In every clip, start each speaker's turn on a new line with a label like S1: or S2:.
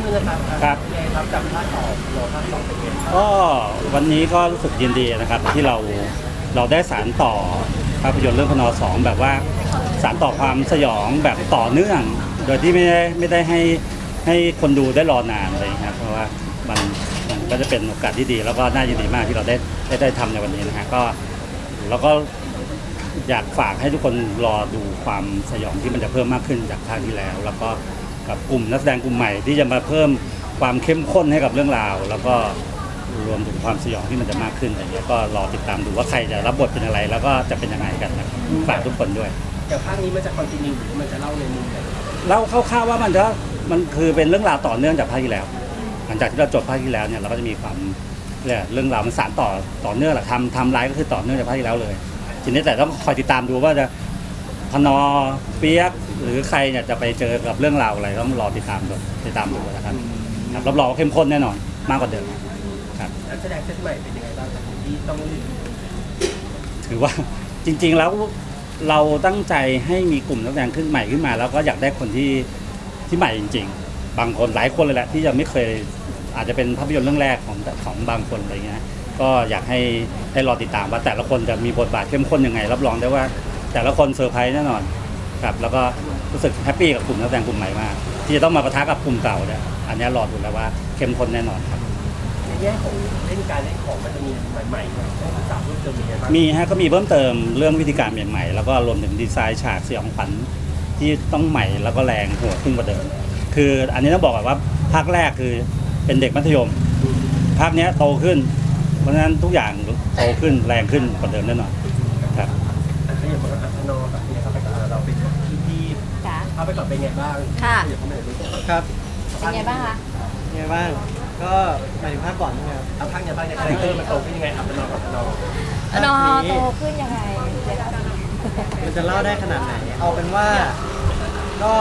S1: ขึ้นนะครับ
S2: ครับ
S1: ยังไงครับจำภาคต่อรอภาคสองเป็นไงครับ
S2: ก็วันนี้ก็รู้สึกยินดีนะครับที่เราได้สานต่อภาพยนตร์เรื่องพน.2แบบว่าสานต่อความสยองแบบต่อเนื่อง โดยที่ไม่ได้ให้คนดูได้รอนานเลยครับเพราะว่ามันก็จะเป็นโอกาสที่ดีแล้วก็น่ายินดีมากที่เราได้ทำในวันนี้นะฮะก็แล้วก็อยากฝากให้ทุกคนรอดูความสยองที่มันจะเพิ่มมากขึ้นจากภาคที่แล้ว แล้วก็กับกลุ่มนักแสดงกลุ่มใหม่ที่จะมาเพิ่มความเข้มข้นให้กับเรื่องราว แล้วก็รวมถึงความสยองที่มันจะมากขึ้นอะไรเงี้ยก็รอติดตามดูว่าใครจะรับบทเป็นอะไร แล้วก็จะเป็นยังไงกันนะฝากทุกคนด้วย
S1: แต่ภาคนี้มันจะคอนติเนียหรือมันจะเล่าในมุมไหน
S2: เล่าคร่าวๆว่ามันคือเป็นเรื่องราวต่อเนื่องจากภาคที่แล้ว หลังจากที่เราจบภาคที่แล้วเนี่ยเราก็จะมีความเรื่องราวมันสานต่อเนื่องแหละทำไลฟ์ก็คือต่อเนื่องจากภาคที่แล้วเลยทีนี้แต่ต้องคอยติดตามดูว่าจะพนเปียกหรือใครเนี่ยจะไปเจอกับเรื่องราวอะไรต้องรอติดตามดูนะครับรับรองว่าเข้มข้นแน่นอนมากกว่าเดิมครับ
S1: นักแสดงเซตใหม่เป็นยังไงบ้างครับที่ต้อง
S2: ถือว่าจริงๆแล้วเราตั้งใจให้มีกลุ่มนักแสดงขึ้นใหม่ขึ้นมาแล้วก็อยากได้คนที่ใหม่จริงๆบางคนหลายคนเลยแหละที่ยังไม่เคยอาจจะเป็นภาพยนตร์เรื่องแรกของบางคนอะไรเงี้ยก็อยากให้รอติดตามว่าแต่ละคนจะมีบทบาทเข้มข้นยังไงรับรองได้ว่าแต่ละคนเซอร์ไพรส์แน่นอนครับแล้วก็รู้สึกแฮปปี้กับกลุ่มนักแสดงกลุ่มใหม่มากที่จะต้องมาปะทะกับกลุ่มเก่าเนี่ยอันนี้รอดูแล้วว่าเข้มข้นแน่นอนครับ
S1: ในแง่ของเล่นการเล่นของมันจะมีใหม่ๆต้องศึกษาเพิ่มเติมยังไงบ้าง
S2: มีฮะก็มีเพิ่มเติมเรื่องวิธีการใหม่ๆแล้วก็รวมถึงดีไซน์ฉากสยองขวัญที่ต้องใหม่แล้วก็แรงโหดขึ้นกว่าเดิมคืออันนี้ต้องบอกก่อนว่าภาคแรกคือเป็นเด็กมัธยมภาคนี้โตขึ้นเพราะฉะนั้นทุกอย่างโตขึ้นแรงขึ้นกว่าเดิมแน่นอนครับ
S1: ขยับมาอัพนอแบบนี้ครับไปกับเราเป็นที่เอาไปก่อนเป็นไงบ้าง
S3: ค่ะ
S4: ครับ
S3: เป็นไงบ้างคะ
S4: ไงบ้างก็หมายถึงภาคก่อนใช่ไหมครับ
S1: เอาภาคเนี่ยภาคเนี่ยคาแรคเตอร์มันโตขึ้นยังไงอัพนอกับอัพนอ
S3: โตขึ้นยังไง
S4: มันจะเล่าได้ขนาดไหนเอาเป็นว่าก็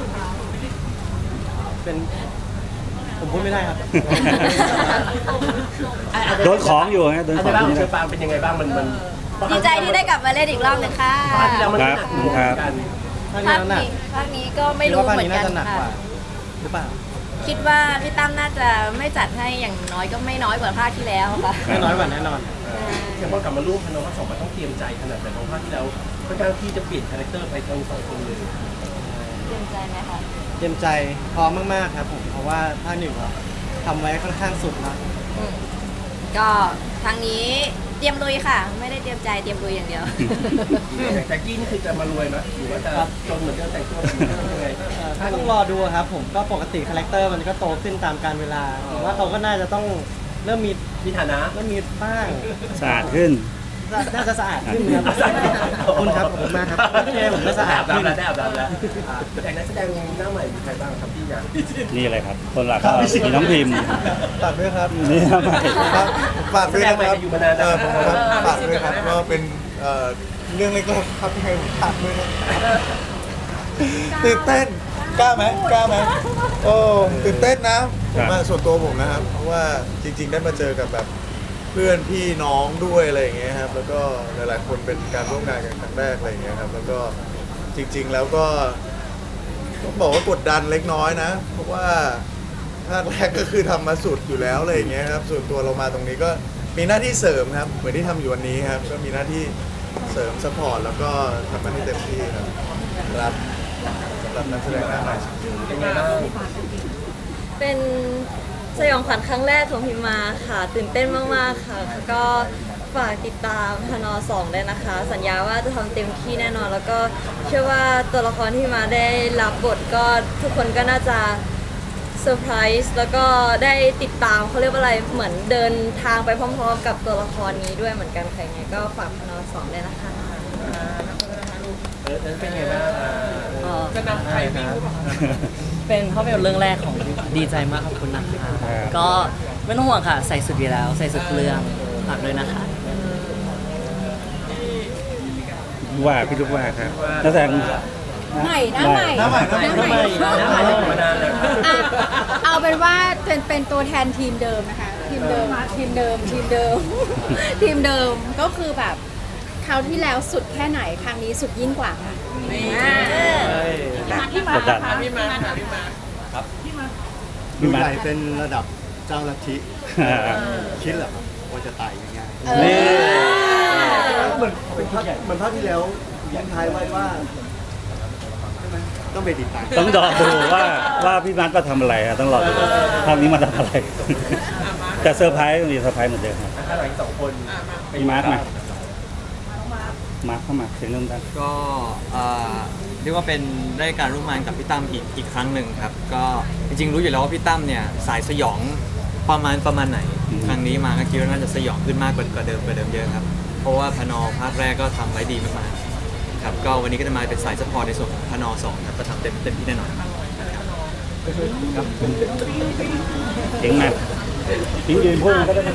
S4: เป็นผมพูดไม่ได้ครับ
S2: โดนของอยู่ไงโดนของ
S1: อยู่เชอปางเป็นยังไงบ้างมัน
S3: ดีใจที่ได้กลับมาเล่นอีกรอบนึงค่ะ
S2: ครับ
S3: ภาคนี้ก็ไม่รู้เหมือนกันค่ะ
S4: หรือเปล่า
S3: คิดว่าพี่ตั้มน่าจะไม่จัดให้อย่างน้อยก็ไม่น้อยกว่าภาคที่แล้วค่ะ
S4: ไม่น้อยกว่าแน่นอน
S1: อย่างพอกลับมาร่วมพนภาคสองมันต้องเตรียมใจขนาดไหนของภาคที่แล้วค่อนข้างที่จะเปลี่ยนคาแรคเตอร์ไปทั้งสองคนเลย
S3: เตรียมใจไหมคะ
S4: เตรียมใจพร้อมมากๆครับผมเพราะว่าภาคหนึ่งทำไว้ค่อนข้างสุดนะ
S3: ก็ทางนี้เตรียมลุยค่ะไม่ได้เตรียมใจเตรียมลุยอย่างเดียว
S1: แต่กี้นี่คือจะมารวยไหมหรือว่าจะจนเหมือนเดิมแต่งตัวเหมือนเดิมยังไง
S4: ต้องรอดูครับผมก็ปกติคาแรคเตอร์มันก็โตขึ้นตามกาลเวลาผมว่าเขาก็น่าจะต้องเริ่มมี
S1: ฐานะ
S4: เริ่มมีบ้าง
S2: สะอาดขึ้น
S4: น่าจะสะอาดขึ้นครับขอบคุณครับขอบคุณมากครับผมก็สะอาดขึ้น
S1: ได้อาบน้ำแล้วแต่นักแสดงหน้าใหม่มีใครบ้างครับที่อยาก
S2: นี่อะไรครับคนหลักก็มีน้องพิมพ์
S4: ฝากด้วยครับ
S2: นี่ทำไม
S5: ฝากด้วยนะครับฝากด้วยครับก็เป็นเรื่องเล็กๆครับที่ให้ผมฝากด้วยนะตื่นเต้นกล้าไหมโอ้ตื่นเต้นนะผมส่วนตัวผมนะครับเพราะว่าจริงๆได้มาเจอกับแบบเพื่อนพี่น้องด้วยอะไรอย่างเงี้ยครับแล้วก็หลายๆคนเป็นการร่วมงานกันครั้งแรกอะไรอย่างเงี้ยครับแล้วก็จริงๆแล้วก็ต้องบอกว่ากดดันเล็กน้อยนะเพราะว่าภาคแรกก็คือทำมาสุดอยู่แล้วอะไรอย่างเงี้ยครับส่วนตัวเรามาตรงนี้ก็มีหน้าที่เสริมครับเหมือนที่ทำอยู่วันนี้ครับก็มีหน้าที่เสริมซัพพอร์ตแล้วก็ทำมันให้เต็มที่ครับรับสำหรับนักแสดงหน้าใหม่
S1: เป็นไงบ้าง
S3: เป็นสยองขวัญครั้งแรกของพิมมาค่ะตื่นเต้นมากๆค่ะก็ฝากติดตามพน.2ด้วยนะคะสัญญาว่าจะทำเต็มที่แน่นอนแล้วก็เชื่อว่าตัวละครที่มาได้รับบทก็ทุกคนก็น่าจะเซอร์ไพรส์แล้วก็ได้ติดตามเขาเรียกว่าอะไรเหมือนเดินทางไปพร้อมๆกับตัวละครนี้ด้วยเหมือนกันใครไงก็ฝากพน.2ด้วยนะคะ
S1: เป็นไงบ้างจะนำใครวิ่ง
S6: เป็นภาพยนตร์เรื่องแรกของดีใจมากขอบคุณนะคะก็ไม่ต้องห่วงค่ะใส่สุดอยู่แล้วใส่สุดเรื่องฝากด้วยนะคะ
S2: ว่าพี่ลูกว่าครับนักแสดง
S3: ใหม่หน้าใหม่
S1: มานานแล้ว
S3: เอาเป็นว่าเป็นตัวแทนทีมเดิมนะคะทีมเดิมก็คือแบบคราวที่แล้วสุดแค่ไหนครั้งนี้สุดยิ่งกว่าค่ะ
S2: พี่มาครับพี่มัด
S7: ใหญ่เป็นระดับเจ้าลัทธิ
S2: อ่า
S7: คิดเหรอครับว่าจะตายง่าย
S2: นี่
S7: ๆเหมือนเป็นภาคเหมือนภาคที่แล้วยิงท้ายไว้ว่าใช่ไหมต้องไปติดตาม
S2: ต้องรอดูว่าพี่มัดมาทำอะไรอะต้องรอดูภาคนี้มาทำอะไร แต่เซอร์ไพรส์มีเซอร์ไพรส์เหมือนเดิมครับ
S1: ถ้าหลังสองคน
S2: พี่มาร์คมามาร์คเข้ามาเสียงเริ่มดัง
S8: ก็เรียกว่าเป็นได้การร่วมงานกับพี่ตั้มอีกครั้งหนึ่งครับก็จริงๆรู้อยู่แล้วว่าพี่ตั้มเนี่ยสายสยองประมาณไหน ครั้งนี้มาก็คิดว่าน่าจะสยองขึ้นมากกว่าเดิมเยอะครับเพราะว่าพนภาคแรกก็ทำไว้ดีมากๆครับก็วันนี้ก็จะมาเป็นสายซัพพอร์ตในส่วนของพน2ครับจะทำเต็มที่แน่นอน
S2: เสียงไหนทิ้งยืนพูดก็ได้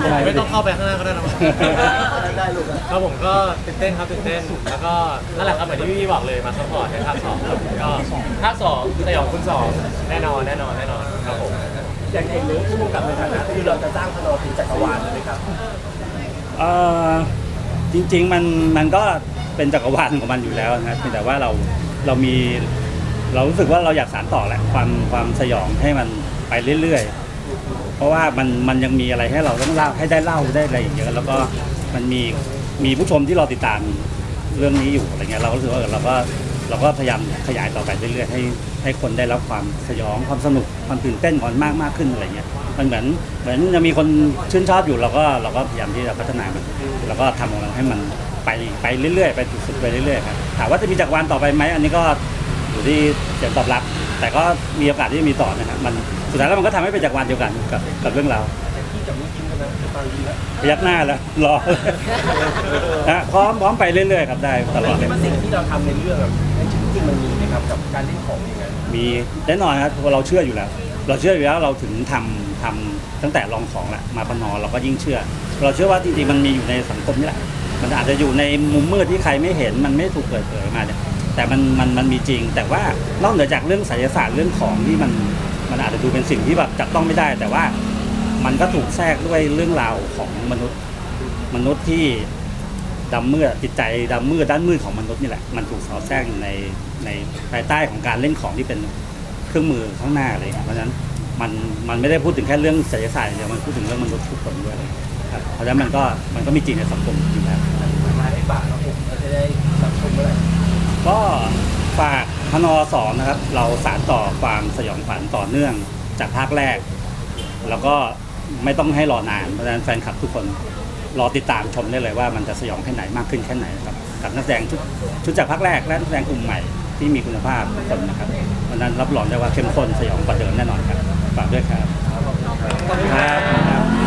S4: ไม่ต้องเข้าไปข้างหน้าก็ได้นะ
S7: ได้ลูก
S4: ครับผมก็ตื่นเต้นครับตื่นเต้นแล้วก็นั่นแหละครับเหมือนที่พี่บอกเลยมาซัพพอร์ตในภาค2ครับก็ภาค2สยองคุณ2แน่นอนครับผม
S1: อย่างเรื่องผู้กำกับในฐานะคือเราจะสร้างพนเป็นจักรวาลเลยไหมครับ
S2: เอ่อจริงๆมันก็เป็นจักรวาลของมันอยู่แล้วนะเพียงแต่ว่าเรามีเรารู้สึกว่าเราอยากสานต่อแหละความสยองให้มันไปเรื่อยๆเพราะว่ามันยังมีอะไรให้เราต้องเล่าให้ได้เล่าได้อะไรอย่างเงี้ยแล้วก็มันมีผู้ชมที่เราติดตามเรื่องนี้อยู่อะไรเงี้ยเราก็รู้สึกว่าเราก็พยายามขยายต่อไปเรื่อยๆให้คนได้รับความสยองความสนุกความตื่นเต้นก่อนมากขึ้นอะไรเงี้ยมันเหมือนยังมีคนชื่นชอบอยู่เราก็พยายามที่จะพัฒนามันแล้วก็ทำของมันให้มันไปเรื่อยๆไปสุดๆไปเรื่อยๆครับถามว่าจะมีจักรวาลต่อไปไหมอันนี้ก็อยู่ที่เสียงตอบรับแต่ก็มีโอกาสที่จะมีต่อนะครับมันสุดท้ายแล้วมันก็ทำให้เป็นจักรวาลเดียวกันกับเรื่องราว
S1: ที่กับลูกยิ้มกันนะฟังดีแล้ว
S2: พยักหน้าแล้วรอ นะพร้อมไปเรื่อยๆครับได้ตลอดเลย
S1: สิ่งที่เราทำในเรื่องในชีวิตจริงมันมีไหมครับกับการเล่นของอย่างนั้น
S2: มีแน่นอนครับเพราะเราเชื่ออยู่แล้ว เราถึงทำตั้งแต่ลองของแหละมาปนเราก็ยิ่งเชื่อ เราเชื่อว่าจริงๆมันมีอยู่ในสังคมนี่แหละมันอาจจะอยู่ในมุมมืดที่ใครไม่เห็นมันไม่ถูกเปิดเผยมาเนี่ยแต่มันมีจริง แต่ว่านอกเหนือจากเรื่องไสยศาสตร์เรื่องของที่มันอาจจะดูเป็นสิ่งที่แบบจับต้องไม่ได้ แต่ว่ามันก็ถูกแทรกด้วยเรื่องราวของมนุษย์ที่ดำมืดจิตใจดำมืดด้านมืดของมนุษย์นี่แหละมันถูกสอดแทรกอยู่ในภายใต้ของการเล่นของที่เป็นเครื่องมือข้างหน้าอะไรอย่างเงี้ยเพราะฉะนั้นมันไม่ได้พูดถึงแค่เรื่องไสยศาสตร์อย่างเดียวมันพูดถึงเรื่องมนุษย์ทุกคนด้วยครับเพราะฉะนั้นมันก็มีจริงในสังคมอยู่แล้ว
S1: มาให้ฝากเราผมเราจะได้สังคมเมื่อไหร่
S2: ก็ฝากพน2นะครับเราสานต่อความสยองขวัญต่อเนื่องจากภาคแรก แล้วก็ไม่ต้องให้รอนานเพราะฉะนั้นแฟนคลับทุกคนรอติดตามชมได้เลยว่ามันจะสยองแค่ไหนมากขึ้นแค่ไหนครับกับนักแสดงชุดจากภาคแรกและนักแสดงกลุ่มใหม่ที่มีคุณภาพทุกคนนะครับเพราะฉะนั้นรับรองได้ว่าเข้มข้นสยองกว่าเดิมแน่นอนครับฝากด้วยครับครับ